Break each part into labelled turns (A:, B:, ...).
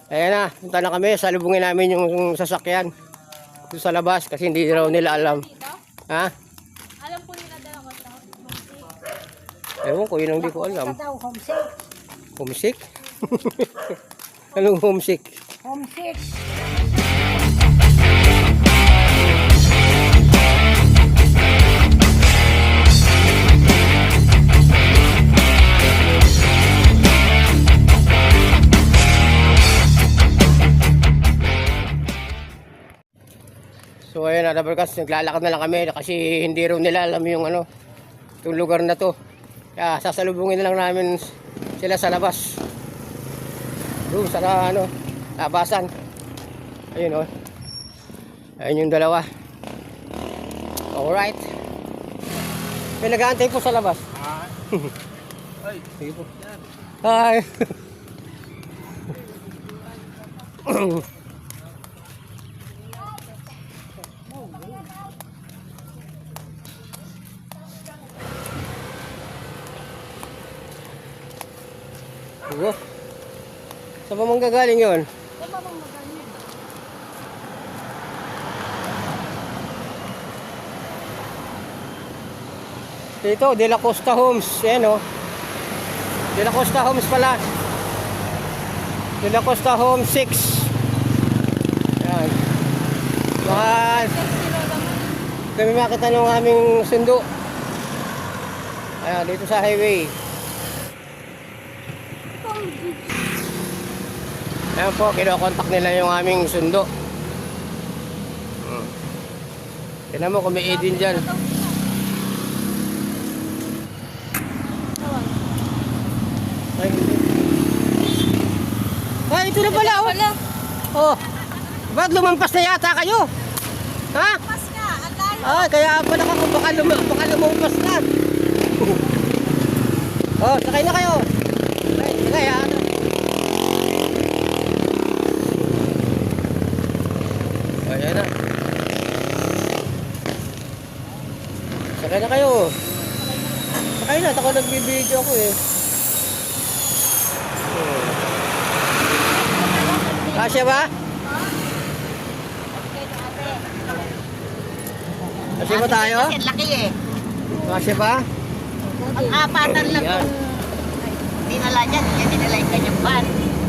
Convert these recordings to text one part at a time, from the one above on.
A: Ayan na, punta na kami. Salubungin namin yung sasakyan doon sa labas kasi hindi raw nila alam. Ha?
B: Alam po nila dala ko ito.
A: Ewan ko, yun ang di ko alam.
C: Daw, homesick.
A: Homesick? Anong homesick?
C: Homesick.
A: So ayun na, Dabarkas, naglalakad na lang kami kasi hindi raw nila alam yung ano, itong lugar na to. Kaya sasalubungin na lang namin sila sa labas. Doon sa ano, labasan. Ayun oh. Ayun yung dalawa. Alright. May nag-aantay po sa labas.
D: Ay,
A: sige po. Hi. Opo. Saan ba mong gagaling yun?
B: Saan ba bang magaling?
A: Dito, De La Costa Homes. Yan o. De La Costa Homes pala. De La Costa Homes 6. Yan. Baka kami makita ng aming sundo. Ayan, dito sa highway. Ayan po, kinokontak nila yung aming sundo. Tignan mo kung may Eden dyan. Ay, ay, ito na pala oh. Oh, ba't lumampas na yata kayo? Ha?
B: Mas nga, ang layo.
A: Ay, kaya pala ka kung baka lumampas na. Oh, sakay na kayo. Ay, sakay ha. Ayan na. Sakay na kayo. Sakay na, ako nagbibideo ako eh. Kasya ba? Kasya ba tayo?
C: Kasi laki eh.
A: Kasya ba?
C: Ang apatan lang
A: Yan.
C: kung dinala niya, yan dinala yung kanyang van.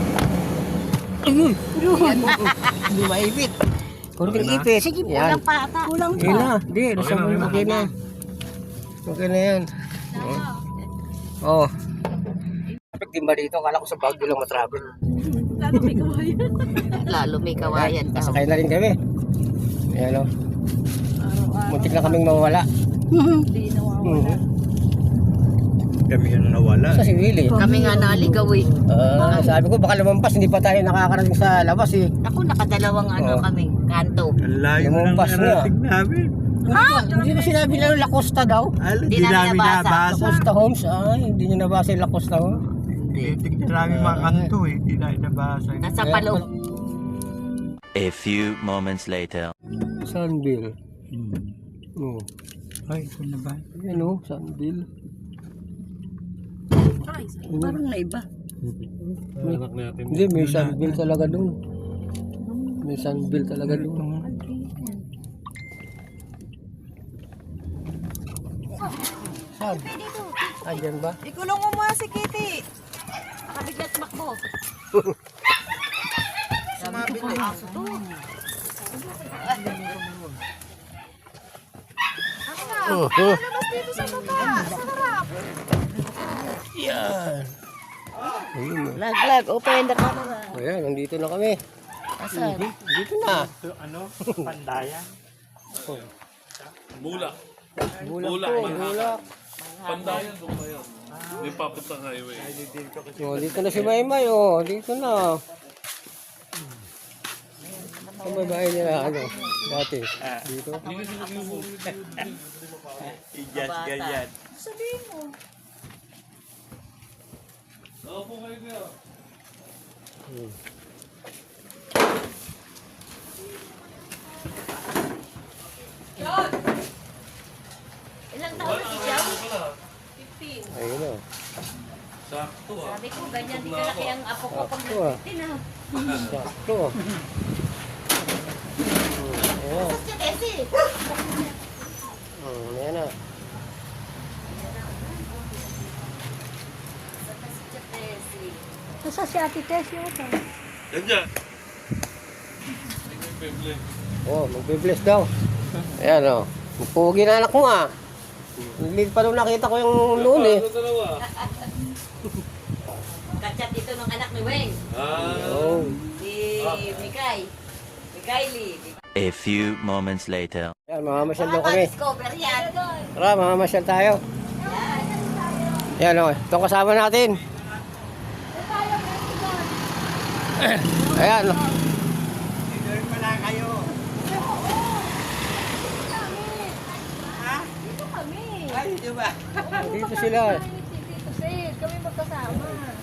A: Hindi maipit. Kunting ipit.
C: Sige,
A: Yan.
C: kulang pa ata. Kulang
A: Okay na. Hindi, nasa mo okay na. Okay na yan. Oh. Kapag din ba dito? Kala ko sa Baguio lang matravel.
B: Lalo may kawayan.
C: Lalo may kawayan daw.
A: Kasakay na rin kami. Ayan o. Muntik na kaming mawala.
B: Hindi nawawala.
D: kami yung nawala.
A: Sa si Willie.
C: Kami nga naligaw eh.
A: Sabi ko baka lumampas. Hindi pa tayo nakakarating sa labas eh.
C: Ako nakadalawang
A: Oh.
C: kami, kanto.
D: Ang layo
A: Yung
D: ng
A: bus na.
D: narating namin.
A: Hindi ba sinabi na La Costa daw?
D: Hindi
C: namin
D: namin
C: nabasa.
A: La
D: nabasa.
A: Costa Homes? Ay, hindi nyo nabasa yung La Costa Homes.
D: Tignan namin mga kanto eh. Hindi namin nabasa.
C: Nasa palo.
E: A few moments later.
A: Sunville. Oh.
D: Ay, ito na ba?
A: Ayan o, Sunville.
B: Ay,
C: Parang naiba.
A: Hindi, may Sunville talaga doon. May Sunville talaga doon. Saan? Ayan ba?
B: ikulong mo muna si Kitty. Nakabiglas makbo.
C: Sabi ko, aso to.
B: Labas dito sa baba. Sa harap.
A: Yan. Ayun o.
C: Lag, open the camera.
A: Ayan, nandito na kami.
C: Asan?
A: Dito na.
D: Ano? Pandayan?
F: Bulak.
A: Bulak po, bulak.
F: Pandayan doon kayo. May papuntang highway.
A: O, dito na si Maymay o. Dito na. Ang babae niya, ano, dati. Dito.
D: Ijas ganyan.
B: Sabihin mo.
F: Opo kayo kayo.
B: Ilang taon na si Jao? 15.
A: Ayun o.
F: Sakto ah.
B: Sabi ko, ganyan
C: ganti kalaki ang apo ko pag
A: Sakto ah.
C: tinap.
A: Sakto. Ayan.
C: Sa Tesi.
A: Ayan na.
C: Sa Tesi.
B: Nasa si Ate Tess yung ito.
F: Yan dyan. Bibli.
A: Oh, magbe-bless daw. Ayan o. Pugi na anak mo ah. Hindi pa nung nakita ko yung noon eh.
F: Ano dalawa?
C: Kachat dito ng anak ni Weng.
A: Oh.
C: Si Mikay. Mikayli.
E: A few moments later.
A: Ayan, mamamasyal daw
C: Baka
A: kami.
C: ma-discover yan.
A: Tara, mamamasyal tayo. Ayan o, itong kasama natin. Ayan o.
D: Doon pala kayo.
B: Dito kami.
D: Ay, di ba?
A: Dito sila.
B: Dito Sid, kami magkasama.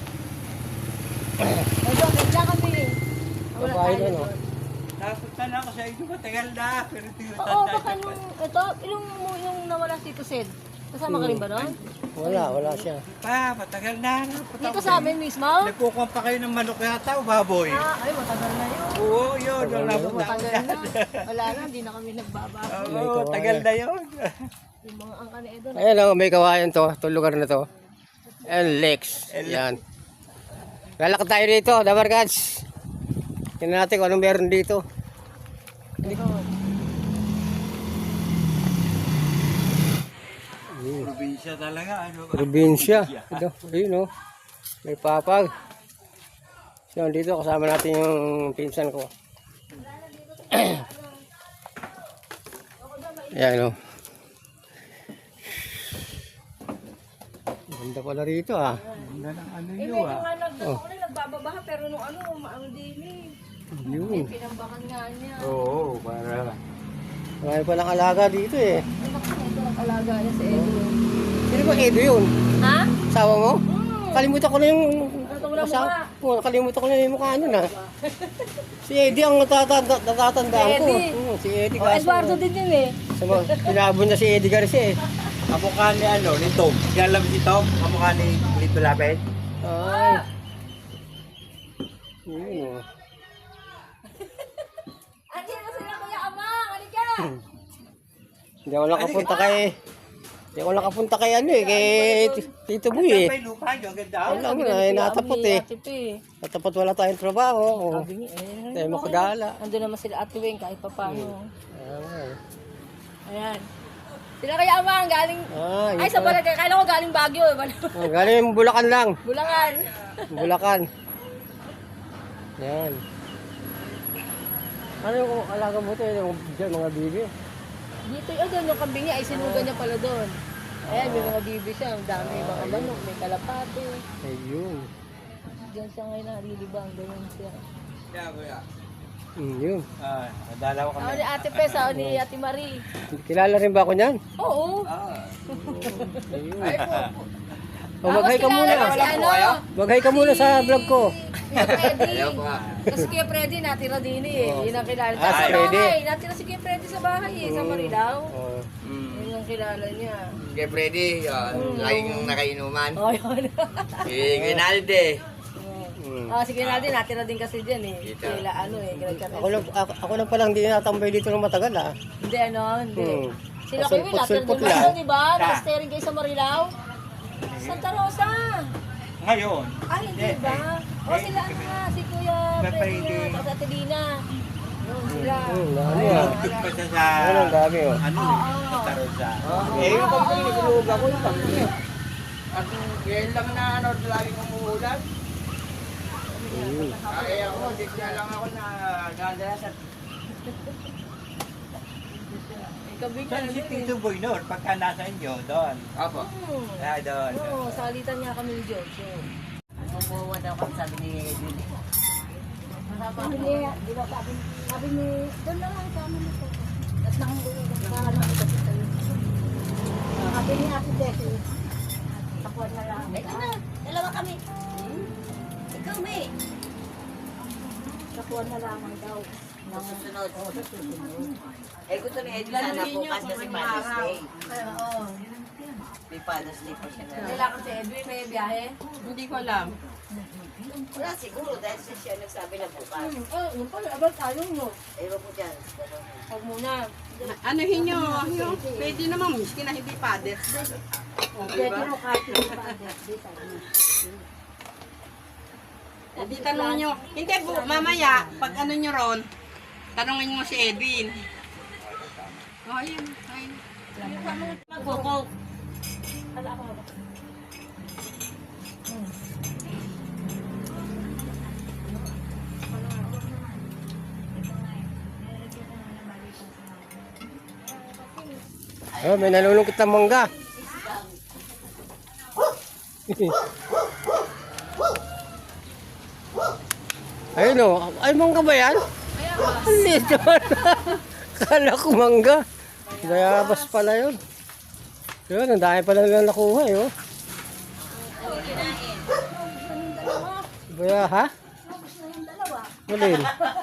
B: Ito, kaya kami. Wala
A: Babae
B: tayo
A: doon, oh.
B: doon.
D: Napunta na ako sa inyo, matagal na. Pero
B: Oo,
D: tinutanda
B: baka nung, ito, yung nawala si Tito Sid. Kasama ka rin ba doon?
A: Wala siya.
D: pa, matagal na. Napunta
B: Dito
D: ako
B: sa amin mismo?
D: Nagkukuha pa kayo ng manok yata o baboy?
B: Ay, matagal na yun.
D: Oo, yun. Nung napunta ako
B: Matagal
D: dyan.
B: na. Wala na, hindi na kami nagbabako.
D: Oo, tagal na yun.
B: Yung mga angka na Edo.
A: Ayan o, may kawayan to. Itong lugar na to. And Lex. Ayan. Lalakad tayo dito, Dabarkads. Tingnan natin kung anong meron dito.
D: Probinsya talaga. Ano?
A: Probinsya. Ito, ayun o. May papag. So, dito kasama natin yung pinsan ko. Ayan o. Ganda pala rito ah.
D: Ganda ng ano
B: Eh,
D: nyo
B: medyo
D: ah.
B: nga nagbababaha, pero nung ano, maano din eh.
A: Yun.
B: Pinambakan nga niya.
D: Oo, para.
A: Marami palang alaga dito eh.
B: Ano ba kung ito ang alaga niya sa Edo?
A: Sino ba Edo yun?
B: Ha?
A: Asawa mo? Kalimutan ko na yung...
B: Ito wala mukha.
A: Kalimutan ko na yung mukha nun ah. Si Eddie ang natatandaan ko.
B: Si Eddie.
A: Si Eddie
B: Oh, Eduardo din yun eh.
A: Pinabon niya si Eddie Garcia eh.
D: Kamukha ni ano, ni Tom. Kaya si Tom, kamukha ni Lito Lapet.
A: Ay. Yun oh.
B: Andiyan na sila Kuya Amang, halika!
A: Hindi ako nakapunta kay... Hindi ako nakapunta kay ano eh, kay Tito Boy eh.
D: May lupa nyo, ganda.
A: Wala mo na, natapot eh.
B: Ate Pe.
A: Natapot wala tayong trabaho. Oh.
B: Sabi niya, eh.
A: Tayo makagala.
B: Andun naman sila Ate Weng kahit pa paano.
A: Ay.
B: Ayan. Sila Kuya Amang, galing...
A: Ay,
B: Ay, sa barangay. Kala ko galing Baguio eh.
A: Oh, galing Bulacan lang.
B: Bulangan.
A: Bulacan. Yan. Ano yung alaga mo ito? Yung dyan, mga bibi?
B: Dito yun, doon yung kambing niya, ay sinugan niya pala doon. Ayan, may mga bibi siya. Ang dami, mga manok, may kalapate.
A: Ayun.
B: Diyan siya ngayon narilibang, ganyan siya.
D: Kaya, kuya.
A: Yun.
D: Nadalaw
B: Ako ni Ate Pes, ako ni Ate Marie.
A: Kilala rin ba ako niyan?
B: Oo.
A: Ayun.
B: Tapos
A: Maghay ka muna.
B: kilala ko si ano,
A: Maghay ka muna sa vlog ko.
B: Kuya Freddy. Kasi Kuya Freddy natira din eh. Yun ang kilala. Tapos
A: si
B: sa
A: Freddy.
B: bahay, natira si Kuya Freddy sa bahay eh, sa Marilao.
A: Oh.
B: Yun ang kilala niya.
G: Kay Freddy, laging nakainuman.
B: Oh, yun.
G: Si Ginalde.
B: Si Ginaldi, natira din kasi dyan eh. Kila ano eh,
A: Ako lang palang hindi natambay dito ng matagal ah.
B: Hindi ano, hindi. Sila
A: Pasulpot,
B: kayo, natira
A: sulpot
B: din
A: lang.
B: ba? Di ba? Naka-steering kayo sa Marilao. Santa Rosa.
D: Ngayon.
B: Ay, hindi ba? O sila ano nga, si Kuya Freddy nga, tapos Ate Lina. Yun sila.
A: Dami ah.
D: Tugtog pa siya sa...
A: Ano ang dami oh.
D: Ano sa Tarosa.
G: Eh, yung pagkain, nilulog ako yung pagkain. At ngayon lang na ano, lagi kong umuulan. Ay, ako, di kaya lang ako na gandala sa...
B: Ikabi ka
D: Saan si Tito Boy noon? Pagka nasa inyo, doon.
G: Apo.
D: Doon.
B: Oo, salitan niya kami ni George.
C: Bumuwa daw kami sabi ni Julie.
B: Sabi niya, di ba sabi ni, doon na lang kami nito. At nakakala ko kasi tayo. Sabi ni Ate Desi, tapuan na lang.
C: Ito na, dalawa kami. Ikaw, May.
B: Tapuan na lang daw.
C: Susunod. Eh, gusto ni Eddie sana bukas kasi Father's Day.
B: Oo.
C: May Father's Day pa siya na.
B: Kailangan si Edwin may biyahe?
C: Hindi ko alam. Wala siguro dahil siya nagsabi na bukas.
B: Yung pala, abal tayo mo.
C: Ewan ko dyan.
B: Huwag muna.
H: Anuhin nyo, yung pwede naman miski na hindi pader.
B: Pwede mo kahit yung father.
H: Hindi tanong nyo. Hindi po, mamaya, pag ano nyo ron, tanongin mo si Edwin. Oh, ayun, ayun.
C: Magkukok.
A: Oh, may nalulungkot na mangga. Ayun o. Ay, mangga ba yan? Ang liit naman. Kala ko mangga. Bayabas pala yun. Yun, ang dami pala lang nakuha eh. Oh. Baya, ha? Malin.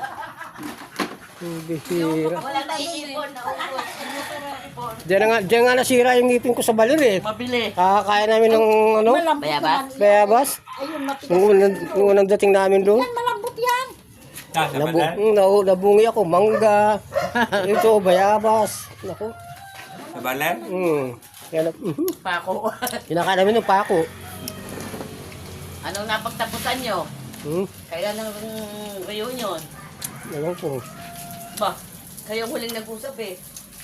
A: Bihira.
C: Wala na iipon na ubos.
A: Diyan nga nasira yung ngipin ko sa balir eh.
C: Mabili.
A: Kakakain namin ng ano?
C: Bayabas?
A: Bayabas.
B: Ayun, matigas.
A: Nung unang dating namin doon.
B: Malambot yan.
A: Nabungi ako, mangga. Ito, bayabas. Naku.
D: Nabalan?
A: Yan,
C: Pako.
A: kinakain namin ng pako.
C: Anong napagtapusan nyo? Kailan ang reunion?
A: Ewan ko.
C: Ba, kayo huling nag-usap eh.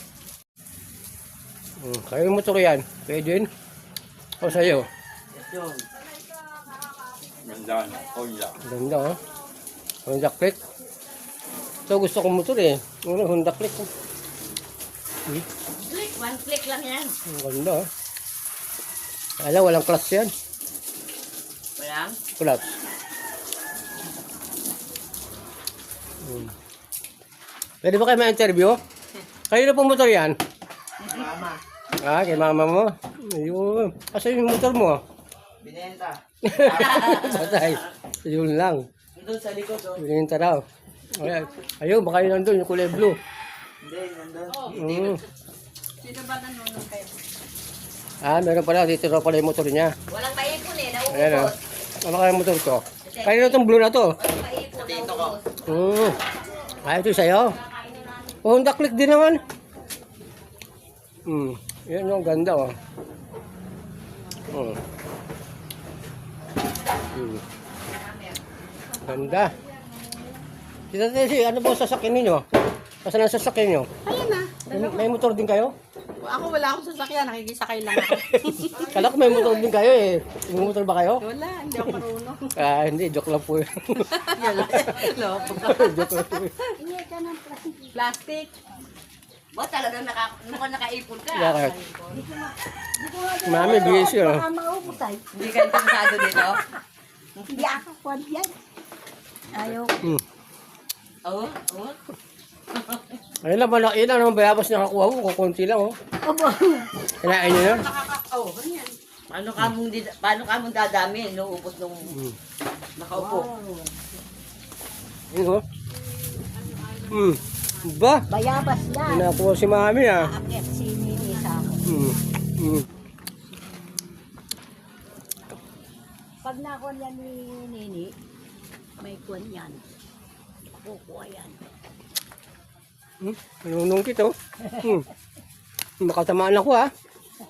A: Kayo yung motor yan. Pwede yun. O sa'yo.
C: Yes, yun.
D: Ganda. Honda.
A: Ganda oh. Honda Click. Ito gusto kong motor eh. Honda Click.
C: Click, one click lang yan.
A: Ang ganda oh. Alam, walang clutch yan.
C: Walang?
A: Clutch. Pwede ba kayo ma-interview? Kayo na pong motor yan?
C: Mama.
A: Ah, kay mama mo? Ayun. Kasi yung motor mo?
C: Binenta.
A: Patay. Yun lang.
C: Doon sa likod, oh.
A: Binenta raw. Ayun, baka yun nandun, yung kulay blue.
C: Hindi, nandun.
H: Sino ba nanonood kayo?
A: Ah, meron pala. Dito raw pala yung motor niya.
C: Walang maipon eh,
A: Ayan o.
C: nauubos.
A: Ano kaya yung motor ko? Kaya na itong blue na to.
C: Walang maipon, nauubos.
A: Ah, ito sa'yo. Oh, Honda Click din naman. Yan yung ganda oh. Ganda. Kita Tessie, ano po sasakyan ninyo? Saan ang sasakyan nyo?
H: Ayun na.
A: May motor din kayo?
H: Ako wala akong sasakyan, nakikisakay lang ako.
A: Kala ko may motor din kayo eh. May motor ba kayo?
H: Wala, hindi ako marunong.
A: Ah, hindi. Joke lang po yun.
H: Loko.
A: Joke lang po yun.
B: Iye ka ng plastic.
H: Plastic.
C: Ba, talagang nakaipon ka.
A: Bakit? Mami, bigay siya.
B: Baka maubos ay.
C: Hindi ka interesado dito?
B: Hindi ako kwan yan. Ayaw.
C: Oo, oo.
A: Ayun lang, malaki lang naman bayabas na nakuha mo. Kukunti lang oh.
B: Aba.
A: Kinain nyo yun?
H: Oh, ganyan.
C: Paano ka mong dadami? Inuubos nung nakaupo.
A: Yun oh. Ba?
B: Bayabas yan.
A: Nakuha si mami ah.
B: Akit si Nini sa ako. Pag nakuha yan ni Nini, may kuwan yan. Kukuha yan.
A: Nanunungkit oh. Makatamaan ako ah.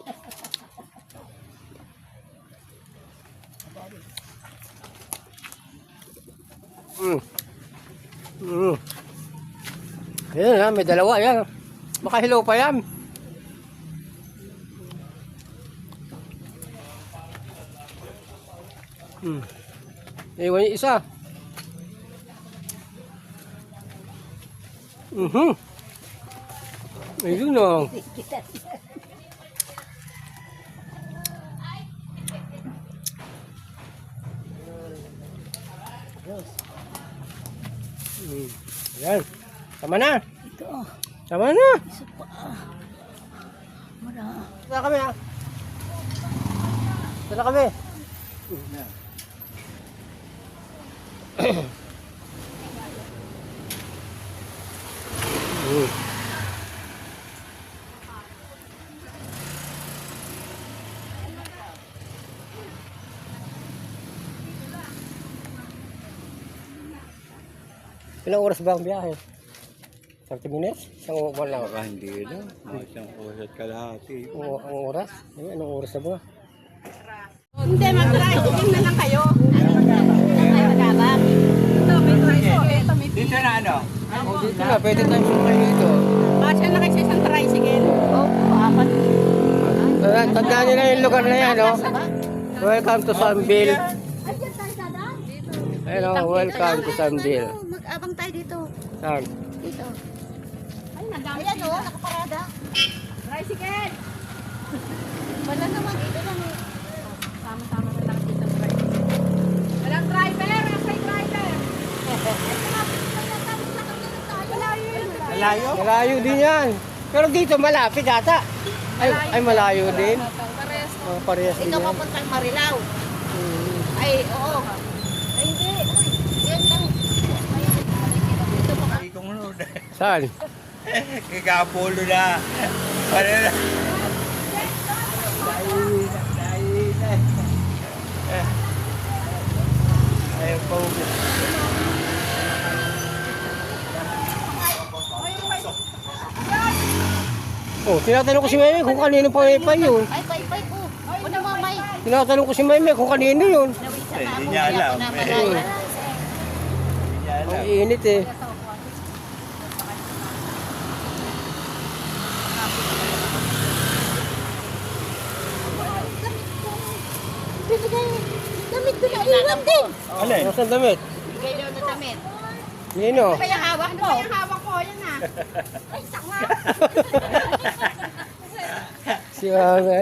A: Ayan ha, may dalawa yan. Makahilaw pa yan. Iwan yung isa. Ayun o. Ayan. Tama na. Tama na. Tara kami ha. Tara kami. Ilang oras ba ang biyahe? 30 minutes? Isang oras lang.
D: Baka hindi na. Mga isang oras at kalahati.
A: Oo, ang oras? Ay, anong oras na ba?
H: Hindi, mag-tricycle na lang kayo. Ito, may tricycle. Ito, may
D: Dito na ano?
A: Oh, dito na, pwede tayong sumakay dito.
H: Kasya na kasi isang tricycle.
B: Apat.
A: Tandaan nyo na yung lugar na yan, no? Welcome to Sunville.
B: Ayan tayo sa daan.
A: Ayun, oh, welcome to Sunville.
B: Mag-abang tayo dito.
A: Saan?
B: Dito.
H: Ay, nadami.
B: Ayan o, nakaparada.
H: Tricycle!
B: Wala naman dito lang.
H: Tama-tama na lang dito tricycle. Walang driver! Walang driver!
D: Malayo?
A: Malayo din yan. Pero dito malapit ata. Ay malayo din. Oh, parehas din
B: Ikaw
A: yan.
B: papuntang Marilao. Ay, oo. Ay, hindi. Uy, yan lang.
D: Ikong ano?
A: Saan?
D: Kikapulo na. Ano na? Ayaw pa ulit.
A: Oh, tinatanong ko si Meme kung kanino pa wifi yun.
B: Ay, pay po. O na mamay.
A: Tinatanong ko si Meme kung kanino yun.
D: Hindi niya alam. Hindi niya alam.
A: Ang init eh.
B: Damit ko na iwan din.
D: Alin?
A: Nasaan damit?
B: Bigay daw na damit.
A: Nino?
H: Ano ba yung hawak mo? Ano ba yung hawak mo? Yan na.
B: Ay, sanga.
A: Si Mame.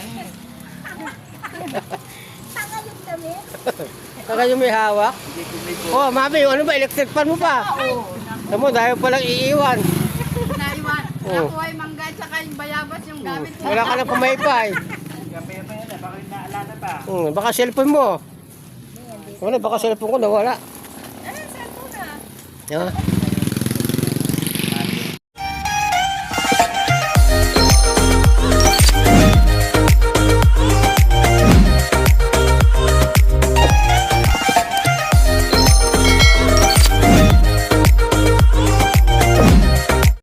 B: Sanga yung damit.
A: Saka yung may hawak. Oh, Mami, ano ba? Electric fan mo pa? Tamo, dahil palang iiwan.
H: Naiwan.
A: Oh.
H: Nakuha yung mangga at saka yung bayabas yung gamit ko.
A: Wala ka na pumaypay.
D: Gamay-gamay na. Bakit naalala pa?
A: Baka cellphone mo. Wala, baka cellphone ko nawala.
H: Eh, cellphone na.
A: Ha?